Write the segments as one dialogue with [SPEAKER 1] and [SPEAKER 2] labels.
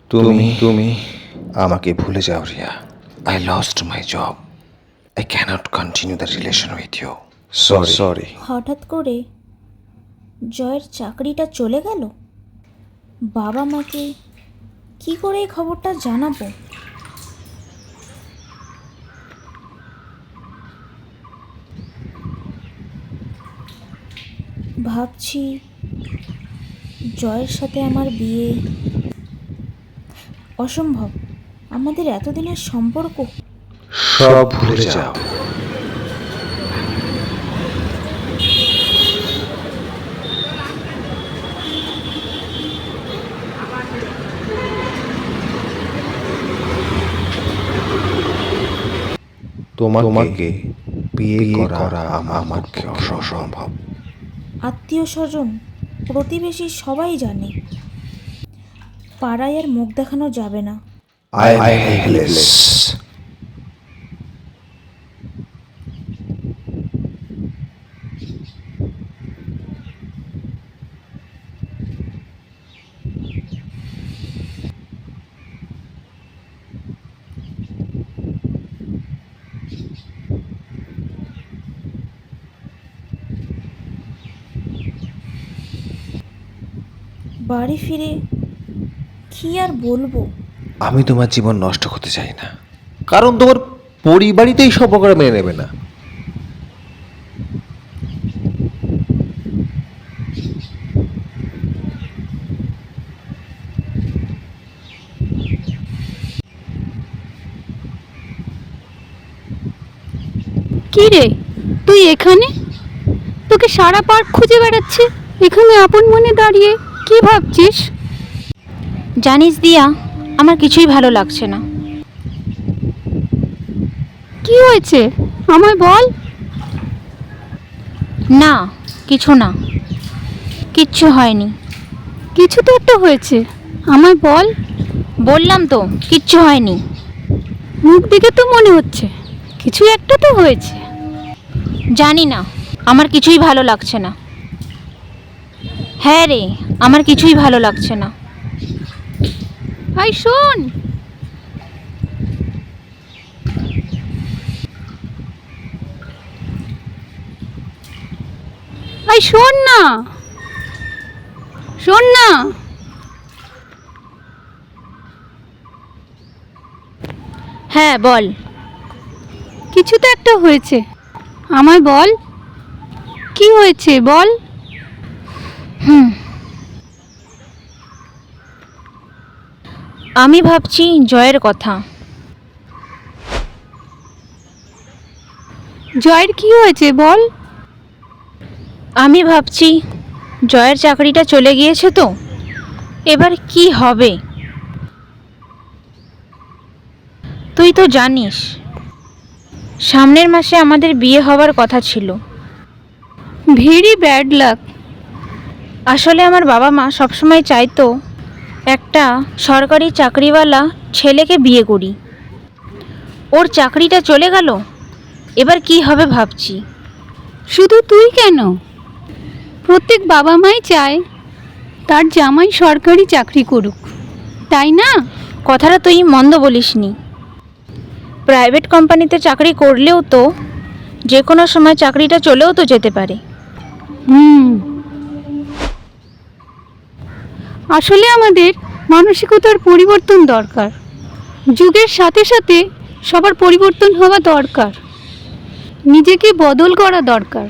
[SPEAKER 1] তুমি তুমি আমাকে ভুলে যাও Riya. I lost my job. I cannot continue the relation with you. Sorry.
[SPEAKER 2] হঠাৎ করে জয়ের চাকরিটা চলে গেল। বাবা মাকে কি করে এই খবরটা জানাবো? ভাবছি জয়ের সাথে আমার বিয়ে অসম্ভব। আমাদের এতদিনের সম্পর্ক।
[SPEAKER 1] সব ভুলে যাও। তোমাকে বিয়ে করা আমার পক্ষে অসম্ভব।
[SPEAKER 2] আত্মীয় স্বজন প্রতিবেশী সবাই জানে, পাড়ায় আর মুখ দেখানো যাবে না।
[SPEAKER 1] I helpless.
[SPEAKER 2] বাড়ি ফিরে কি আর বলবো?
[SPEAKER 1] আমি তোমার জীবন নষ্ট করতে চাই না, কারণ তোমার পরিবারই তো এই সম্পর্কটা মেনে নেবে না।
[SPEAKER 3] কি রে, তুই এখানে? তোকে সারা পার্ক খুঁজে বেড়াচ্ছে, এখানে আপন মনে দাঁড়িয়ে কি ভাবছিস?
[SPEAKER 2] জানিস দিয়া, আমার কিছুই ভালো লাগছে না।
[SPEAKER 3] কি হয়েছে আমায় বল।
[SPEAKER 2] না, কিছু না, কিচ্ছু হয়নি।
[SPEAKER 3] কিছু তো একটা হয়েছে, আমায় বল।
[SPEAKER 2] বললাম তো কিচ্ছু হয়নি।
[SPEAKER 3] মুখ দেখে তো মনে হচ্ছে কিছু একটা তো হয়েছে।
[SPEAKER 2] জানি না, আমার কিছুই ভালো লাগছে না। হ্যাঁ রে, আমার কিছুই ভালো লাগছে না।
[SPEAKER 3] ভাই শোন, ভাই শোন না, শোন না।
[SPEAKER 2] হ্যাঁ বল।
[SPEAKER 3] কিছু তো একটা হয়েছে, আমায় বল। কি হয়েছে বল।
[SPEAKER 2] আমি ভাবছি জয়ের কথা।
[SPEAKER 3] জয়ের কি হয়েছে বল।
[SPEAKER 2] আমি ভাবছি জয়ের চাকরিটা চলে গিয়েছে তো, এবার কি হবে? তুই তো জানিস সামনের মাসে আমাদের বিয়ে হওয়ার কথা ছিল।
[SPEAKER 3] Very bad luck.
[SPEAKER 2] আসলে আমার বাবা মা সবসময় চাইতো একটা সরকারি চাকরিওয়ালা ছেলেকে বিয়ে করি। ওর চাকরিটা চলে গেল, এবার কি হবে ভাবছি।
[SPEAKER 3] শুধু তুই কেন, প্রত্যেক বাবা মাই চায় তার জামাই সরকারি চাকরি করুক, তাই না?
[SPEAKER 2] কথাটা তুই মন্দ বলিসনি। প্রাইভেট কোম্পানিতে চাকরি করলেও তো যে কোনো সময় চাকরিটা চলেও তো যেতে পারে।
[SPEAKER 3] আসলে আমাদের মানসিকতার পরিবর্তন দরকার। যুগের সাথে সাথে সবার পরিবর্তন হওয়া দরকার, নিজেকে বদল করা দরকার।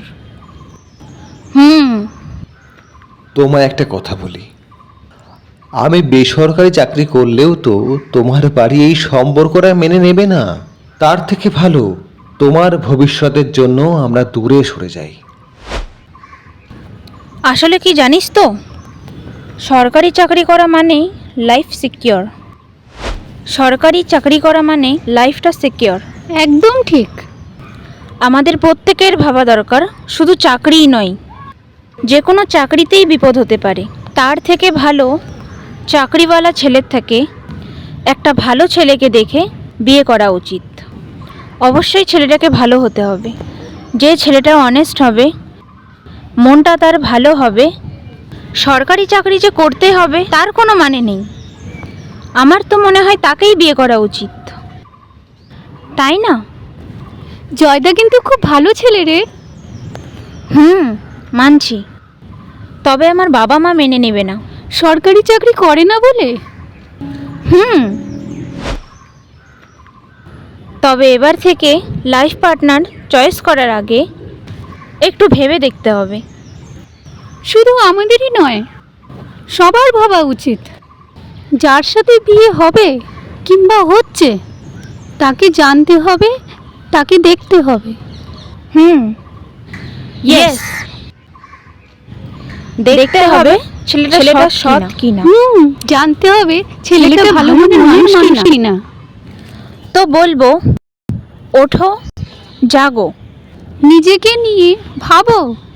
[SPEAKER 1] তোমায় একটা কথা বলি, আমি বেসরকারি চাকরি করলেও তো তোমার বাড়ি এই সম্পর্কটা মেনে নেবে না। তার থেকে ভালো তোমার ভবিষ্যতের জন্য আমরা দূরে সরে যাই।
[SPEAKER 2] আসলে কি জানিস তো, সরকারি চাকরি করা মানে লাইফ সিকিওর। সরকারি চাকরি করা মানে লাইফটা সিকিওর।
[SPEAKER 3] একদম ঠিক।
[SPEAKER 2] আমাদের প্রত্যেকের ভাবা দরকার, শুধু চাকরিই নয়, যে কোনো চাকরিতেই বিপদ হতে পারে। তার থেকে ভালো চাকরিওয়ালা ছেলের থেকে একটা ভালো ছেলেকে দেখে বিয়ে করা উচিত। অবশ্যই ছেলেটাকে ভালো হতে হবে। যে ছেলেটা অনেস্ট হবে, মনটা তার ভালো হবে, সরকারি চাকরি যে করতে হবে তার কোনো মানে নেই। আমার তো মনে হয় তাকেই বিয়ে করা উচিত, তাই না?
[SPEAKER 3] জয়দা কিন্তু খুব ভালো ছেলে রে।
[SPEAKER 2] মানছি, তবে আমার বাবা মা মেনে নেবে না।
[SPEAKER 3] সরকারি চাকরি করে না বলে?
[SPEAKER 2] তবে এবার থেকে লাইফ পার্টনার চয়েস করার আগে একটু ভেবে দেখতে হবে।
[SPEAKER 3] শুধু আমাদেরই নয়, সবার ভাবা উচিত। যার সাথে বিয়ে হবে কিংবা হচ্ছে, তাকে জানতে হবে, তাকে দেখতে হবে।
[SPEAKER 2] ইয়েস, দেখতে হবে ছেলেটা সৎ কিনা।
[SPEAKER 3] জানতে হবে ছেলেটা ভালো মনের মানুষ কিনা।
[SPEAKER 2] তো বলবো, ওঠো, জাগো,
[SPEAKER 3] নিজেকে নিয়ে ভাবো।